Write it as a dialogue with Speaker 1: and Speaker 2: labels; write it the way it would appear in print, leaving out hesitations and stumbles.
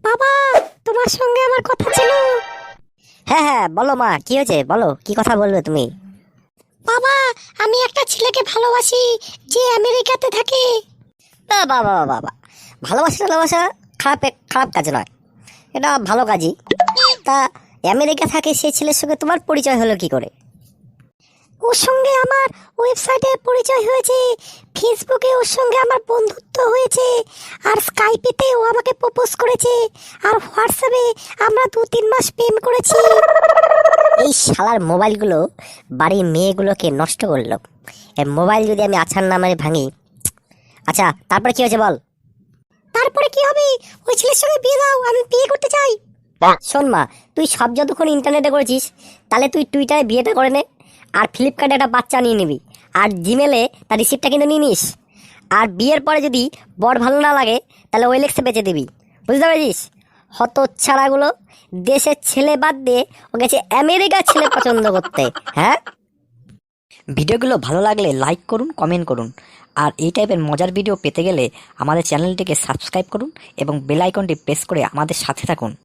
Speaker 1: বাবা, তোমার সঙ্গে আমার কথা ছিল।
Speaker 2: হ্যাঁ হ্যাঁ, বলো মা, কি হয়েছে? বলো, কি কথা বলবে তুমি?
Speaker 1: বাবা, আমি একটা ছেলেকে ভালোবাসি যে আমেরিকাতে থাকে।
Speaker 2: বাবা বাবা বাবা, ভালোবাসা ভালোবাসা খারাপ খারাপ কাজ নয়, এটা ভালো কাজই। তা আমেরিকা থাকে সেই ছেলের সঙ্গে তোমার পরিচয় হলো কি করে?
Speaker 1: ওর সঙ্গে আমার ওয়েবসাইটে পরিচয় হয়েছে, ফেসবুকে ওর সঙ্গে আমার বন্ধুত্ব হয়েছে, আর স্কাইপেতে ও আমাকে প্রপোজ করেছে, আর হোয়াটসঅ্যাপে আমরা 2-3 মাস প্রেম করেছি।
Speaker 2: এই শালার মোবাইলগুলো বাড়ির মেয়েগুলোকে নষ্ট করলো। এই মোবাইল যদি আমি আছাড় না মারে ভাঙি। আচ্ছা, তারপরে কি হয়েছে বল?
Speaker 1: তারপরে কি হবে? ওই ছেলের সঙ্গে বিয়ে দাও, আমি বিয়ে করতে চাই।
Speaker 2: শোন মা, তুই সব যতক্ষণ ইন্টারনেটে করেছিস, তাহলে তুই টুইটারে বিয়েটা করে নে, আর ফ্লিপকার্টে একটা বাচ্চা নিয়ে নিবি, আর জিমেলে তার রিসিপ্টটা কিন্তু নিয়ে নিস। আর বিয়ের পরে যদি বর ভালো না লাগে, তাহলে ওয়েলেক্সে বেচে দিবি। বুঝতে পেরেছিস? হতচ্ছাড়াগুলো দেশের ছেলে বাদ দিয়ে ও গেছে আমেরিকার ছেলে পছন্দ করতে। হ্যাঁ, ভিডিওগুলো ভালো লাগলে লাইক করুন, কমেন্ট করুন। আর এই টাইপের মজার ভিডিও পেতে গেলে আমাদের চ্যানেলটিকে সাবস্ক্রাইব করুন এবং বেল আইকনটি প্রেস করে আমাদের সাথে থাকুন।